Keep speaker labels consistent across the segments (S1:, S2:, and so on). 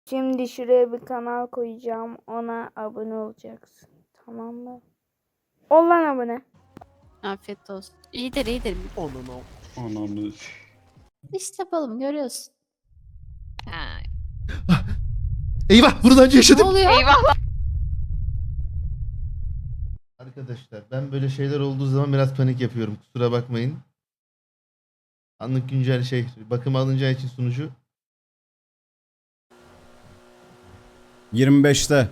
S1: Şimdi şuraya bir kanal koyacağım. Ona abone olacaksın. Tamam mı? Ol lan abone.
S2: Afiyet olsun. İyidir iyidir.
S3: Ananı.
S2: İşte yapalım görüyorsun. Ha.
S4: Eyvah bunu daha önce
S2: Ne
S4: yaşadım.
S2: oluyor?
S4: Arkadaşlar ben böyle şeyler olduğu zaman biraz panik yapıyorum. Kusura bakmayın. Anlık güncel bakım alınacağı için sunucu.
S5: 25'te.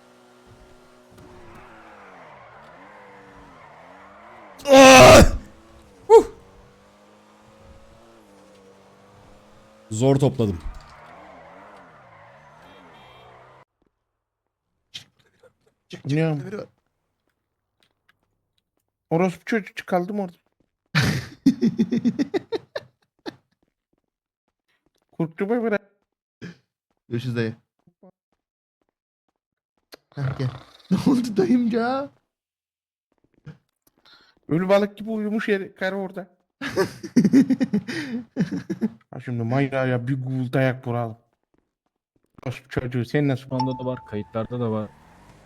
S5: Zor topladım.
S6: Ne? Orospu çocuk kaldım orada. Kurtluğuma bırak.
S4: Görüşürüz dayı. Heh, gel. Ne oldu dayımca?
S6: Ölü balık gibi uyumuş yer karı orada. Ha şimdi Mayra'ya bir gul dayak vuralım. Orospu çocuğu sen nasıl?
S7: Şu anda da var, kayıtlarda da var.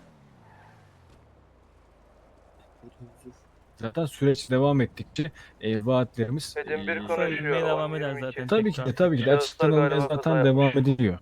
S7: Zaten süreç devam ettikçe vaatlerimiz
S8: Edim bir
S7: konuşuyor.
S8: konuşuyor.
S9: devam eder zaten.
S7: Tabii ki de tabii ki de
S8: Şahıslar
S7: açıklanmaya
S8: galiba
S7: zaten
S8: hata
S7: devam
S8: yapmış.
S7: ediliyor.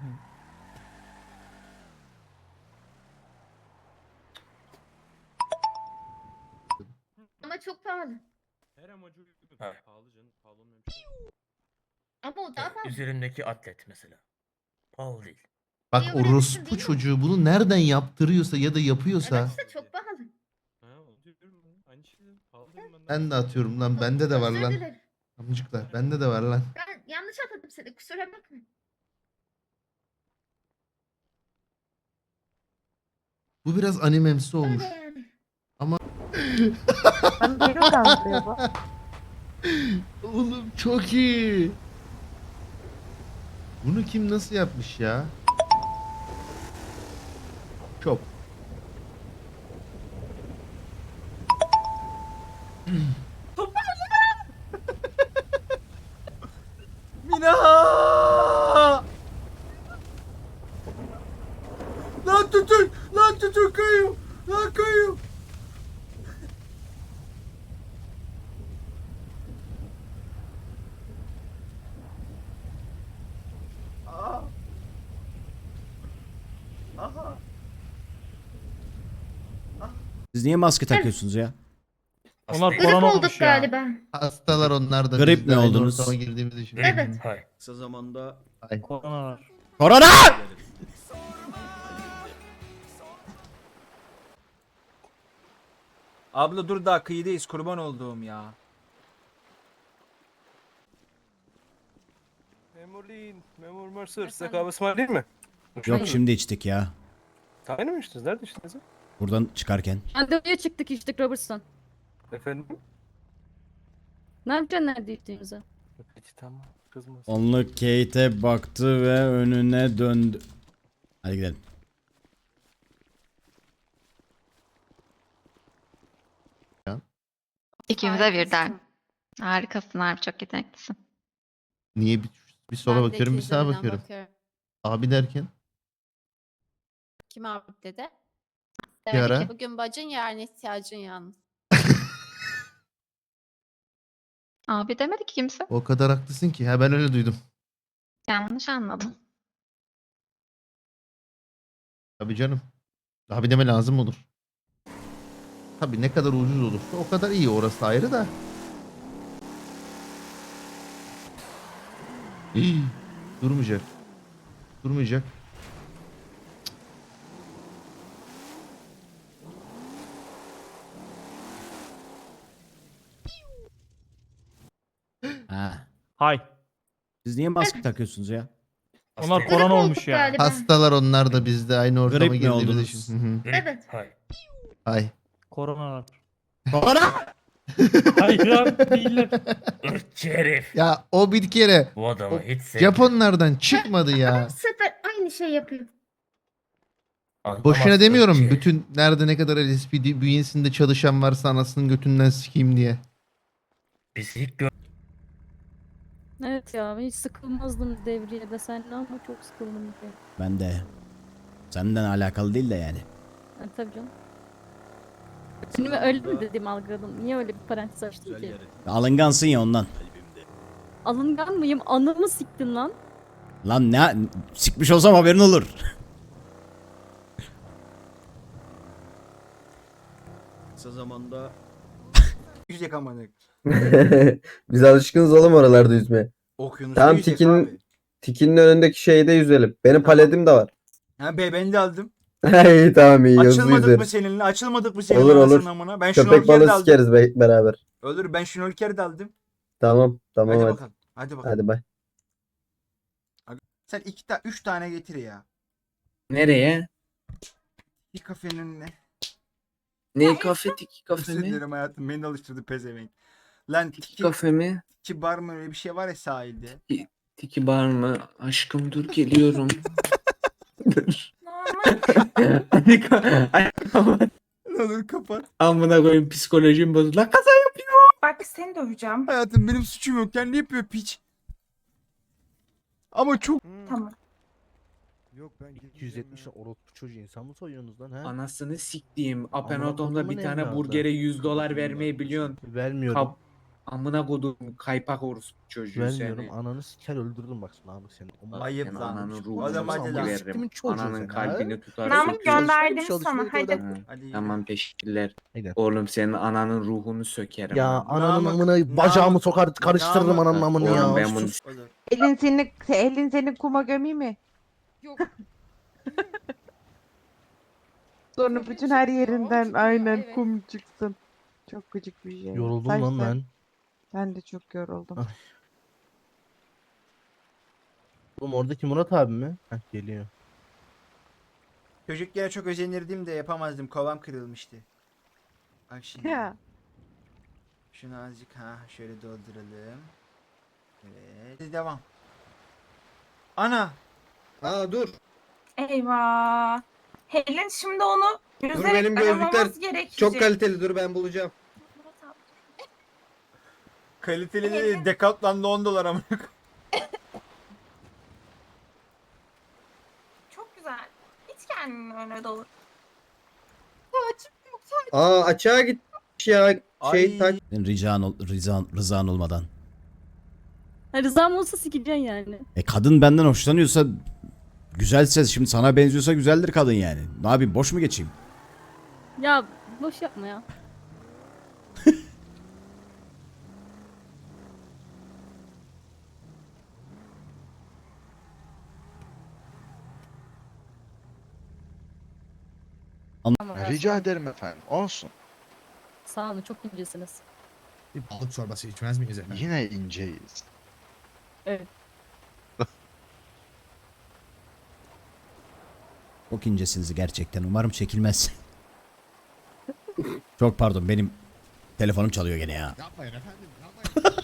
S10: Ama çok pahalı.
S9: Her amacı uygun.
S8: Ha.
S9: Pahalı canım. Pahalı olmayan bir şey yok.
S10: Ama o daha pahalı.
S8: Üzerindeki atlet mesela. Pahalı değil.
S4: Bak
S10: Niye öyle diyorsun,
S4: orospu
S10: değil mi?
S4: çocuğu bunu nereden yaptırıyorsa ya da yapıyorsa.
S10: Evet işte çok pahalı.
S9: Ha, onu diyorum ben. Aynı şey dedim. Pahalı dedim ben de.
S4: Ben de atıyorum lan, bende de var
S10: Özür
S4: lan.
S10: dilerim.
S4: Amcıklar bende de var lan.
S10: Ben yanlış anladım seni, kusura bakma.
S4: Bu biraz animemsi olmuş.
S10: Öyle yani.
S1: Ben beni kandırıyor bu.
S4: Oğlum çok iyi. Bunu kim nasıl yapmış ya? Çok. Mina! Lan tutun! Lan tutun kayıyor! Lan kayıyor!
S5: Siz niye maske takıyorsunuz ya?
S9: Onlar
S10: Grip
S9: korona
S10: olduk
S9: olmuş ya.
S10: galiba.
S4: Hastalar onlar da.
S5: Grip
S4: biz de
S5: mi
S4: aynı
S5: oldunuz?
S4: ortama girdiğimizi için.
S10: Evet.
S8: Hayır.
S5: Kısa zamanda...
S4: Ay.
S9: Korona var.
S5: Korona!
S11: Abla dur daha kıyıdayız kurban olduğum ya.
S8: Memur Lin, Memur Mercer. Size kahve ısmarlayayım mı?
S5: Yok şimdi içtik ya.
S8: Aynı mı içtiniz? Nerede içtiniz?
S5: Buradan çıkarken.
S2: Randevuya çıktık içtik Robertson.
S8: Efendim?
S2: Ne yapacaksın nerede içtiğimizi?
S8: Peki tamam. Kızmaz.
S5: Onluk Kate'e baktı ve önüne döndü. Hadi gidelim.
S10: İkimize birden. Harikasın abi, çok yeteneklisin.
S4: Niye bir sola bakıyorum bir sağa bakıyorum. Abi derken
S2: Kim abi dedi?
S4: Bir ara.
S2: Bugün bacın yarın ihtiyacın yalnız.
S10: Abi demedi ki kimse.
S4: o kadar haklısın ki. Ha ben öyle duydum.
S10: Yanlış anladım.
S4: Tabii canım. Abi deme lazım olur. Tabii ne kadar ucuz olursa o kadar iyi, orası ayrı da. Hii, durmayacak. Durmayacak.
S5: Ha.
S9: Hay.
S5: Siz niye maske takıyorsunuz ya?
S9: Onlar
S10: Grip
S9: korona
S10: olduk
S9: olmuş ya.
S10: galiba.
S4: Hastalar onlar da biz de aynı ortama
S5: Grip mi
S4: girdiğimiz
S5: oldunuz?
S4: için. Hı hı.
S10: Evet.
S8: Hayır.
S4: Ay.
S9: Korona var.
S4: Korona!
S9: Hayır abi değiller.
S8: Irkçı herif.
S4: Ya o bir kere
S8: Bu adamı
S4: o
S8: hiç sevmiyorum.
S4: Japonlardan çıkmadı ya.
S10: Bu sefer aynı şey yapıyor.
S8: Anlamaz
S4: Boşuna demiyorum.
S8: ırkçı herif.
S4: Bütün nerede ne kadar LSPD bünyesinde çalışan varsa anasının götünden sikeyim diye.
S8: Biz ilk gör...
S2: Evet ya ben hiç sıkılmazdım devriyede seninle ama çok sıkıldım.
S5: Ben de. Senden alakalı değil de yani.
S2: Tabii canım. Şimdi ben öyle mi dedim algıladım. Niye öyle bir parantez açtın ki?
S5: Alıngansın ya ondan.
S2: Alıngan mıyım? Anamı siktin lan.
S5: Lan ne sikmiş olsam haberin olur.
S11: Kısa zamanda yüzecek amadık.
S8: Biz alışkınız oğlum oralarda yüzmeye.
S11: Okyanusta
S8: Tamam,
S11: yüzecek
S8: Tikin-
S11: abi.
S8: Tikinin önündeki şeyde yüzelim. Benim
S11: Tamam.
S8: paletim de var.
S11: Ha be ben de aldım.
S8: İyi tamam, iyi hızlı
S11: Açılmadık mı
S8: yüzeriz.
S11: seninle? Açılmadık mı seninle?
S8: Olur, olur.
S11: anasının amına? Ben
S8: Köpek
S11: şnorkel de
S8: balığı
S11: aldım.
S8: sikeriz beraber.
S11: Olur ben şnorkel de aldım.
S8: Tamam tamam
S11: Hadi
S8: hadi.
S11: bakalım. Hadi bakalım.
S8: Hadi bay.
S11: Sen 3 tane getir ya.
S6: Nereye?
S11: Bir kafenin önüne.
S6: Ne kafe tiki
S11: Özür dilerim hayatım. Beni de alıştırdı pezevenk. Lan tiki
S6: mi?
S11: bar mı öyle bir şey var ya sahilde.
S6: Tiki bar mı? Aşkım dur geliyorum.
S11: Ne olur kapat.
S6: Amına koyayım psikolojim bozuldu. Lan kaza
S10: Bak seni döveceğim.
S11: Hayatım benim suçum yok. Kendi yapıyor piç. Ama çok
S10: Tamam.
S4: Yok ben 270 orospu çocuğu insan mı soyuyorsunuz lan ha?
S6: Anasını siktiğim.
S4: Amına
S6: Apenodom'da bir
S4: kodumun
S6: tane
S4: evladı.
S6: burgere $100 vermeyi biliyorsun.
S4: Vermiyorum.
S6: Amına kodum kaypak orospu çocuğu
S4: Vermiyorum.
S6: seni.
S4: Ananı siker öldürürüm bak Namık seni.
S11: ayıp
S6: Senin
S11: lan.
S6: ananın ruhunu
S11: Adam hadi lan.
S4: Siktimin çocuğu
S6: Ananın
S4: sen,
S6: kalbini
S4: ha?
S6: tutar.
S10: Namık
S6: söküyor.
S10: gönderdim
S4: Çalışmayı
S10: sana hadi.
S6: Ha,
S11: Hadi yürü.
S6: Tamam teşekkürler.
S4: Haydi.
S6: Oğlum senin ananın ruhunu sökerim.
S4: Ya
S6: ha.
S4: ananın
S11: Namık-
S4: amına bacağımı
S11: Namık-
S4: sokar karıştırırım
S11: Namık-
S4: ananın amını
S6: Oğlum
S4: ya.
S6: ben bunu
S11: Sus. Olur.
S10: Elin seni kuma gömeyim mi?
S2: Yok.
S10: Sonra bütün her yerinden
S2: çıkıyor,
S10: aynen
S2: evet.
S10: kum çıksın. Çok gıcık bir şey.
S4: Yoruldum
S10: Say
S4: lan
S10: say.
S4: ben.
S10: Ben de çok yoruldum.
S4: Ah. Oğlum oradaki Murat abi mi? Heh geliyor.
S11: Çocukken çok özenirdim de yapamazdım. Kovam kırılmıştı. Bak şimdi.
S10: Ya.
S11: Şunu azıcık şöyle dolduralım. Evet. Hadi devam. Ana.
S8: Dur.
S10: Eyvah. Helin şimdi onu yüzerek
S8: benim gözlükler
S10: aramamız gerekecek.
S8: kaliteli, dur ben bulacağım.
S11: Kaliteli değil. Decathlon'da $10 ama.
S10: Çok güzel. Hiç kendini öyle dolu.
S8: Açığa gitmiş ya.
S11: Ay.
S5: Senin rızan olmadan.
S2: Ha, rızam olsa sikeceksin yani.
S5: Kadın benden hoşlanıyorsa güzelse şimdi sana benziyorsa güzeldir kadın yani. Ne yapayım boş mu geçeyim?
S2: Ya boş yapma ya.
S3: Rica ederim efendim. Olsun.
S2: Sağ olun çok incesiniz.
S3: Bir balık çorbası içmez miyiz efendim? Yine inceyiz.
S5: Çok incesiniz gerçekten. Umarım çekilmez. Çok pardon benim telefonum çalıyor gene ya.
S3: Yapmayın efendim. Yapmayın.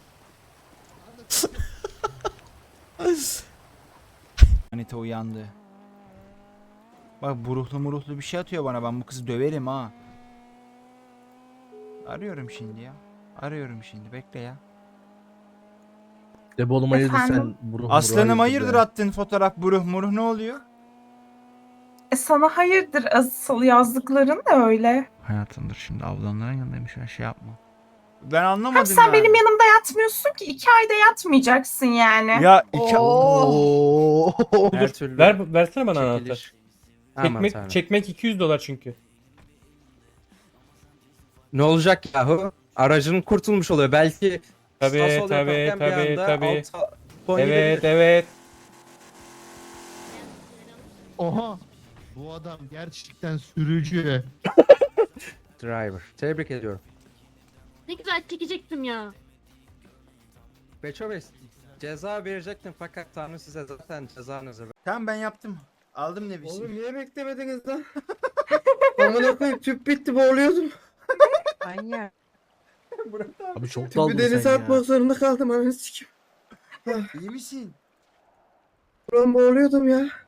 S11: Anita uyandı. Bak buruhlu bir şey atıyor bana. Ben bu kızı döverim ha. Arıyorum şimdi ya. Arıyorum şimdi. Bekle ya.
S4: De oğlum hayırdır sen
S10: Efendim?
S11: Aslanım hayırdır attın fotoğraf buruh ne oluyor?
S10: Sana hayırdır asıl yazdıkların da öyle.
S11: Hayatımdır şimdi ablamların yanındaymış ben şey yapma. Ben anlamadım
S10: Hem sen
S11: yani.
S10: benim yanımda yatmıyorsun ki 2 ayda yatmayacaksın yani.
S11: Ya
S4: Oo.
S9: Her türlü
S6: Versene bana
S9: anahtar. Çekmek $200 çünkü.
S6: Ne olacak yahu? Aracın kurtulmuş oluyor. Belki
S9: Tabii. Evet.
S4: Oha. Bu adam gerçekten sürücü.
S6: Driver. Tebrik ediyorum.
S2: Ne güzel çekecektim ya.
S6: Beçoves ceza verecektim fakat Tanrı size zaten cezanızı verdi.
S11: tamam ben yaptım. Aldım nefesi.
S8: niye beklemediniz lan? Amına koyayım tüp bitti, boğuluyordum.
S10: Manyak.
S4: Abi çok
S8: Tüpü
S4: daldın
S8: denize
S4: sen ya.
S8: atmak zorunda kaldım anasını sikim.
S11: İyi misin?
S8: Ulan boğuluyordum ya.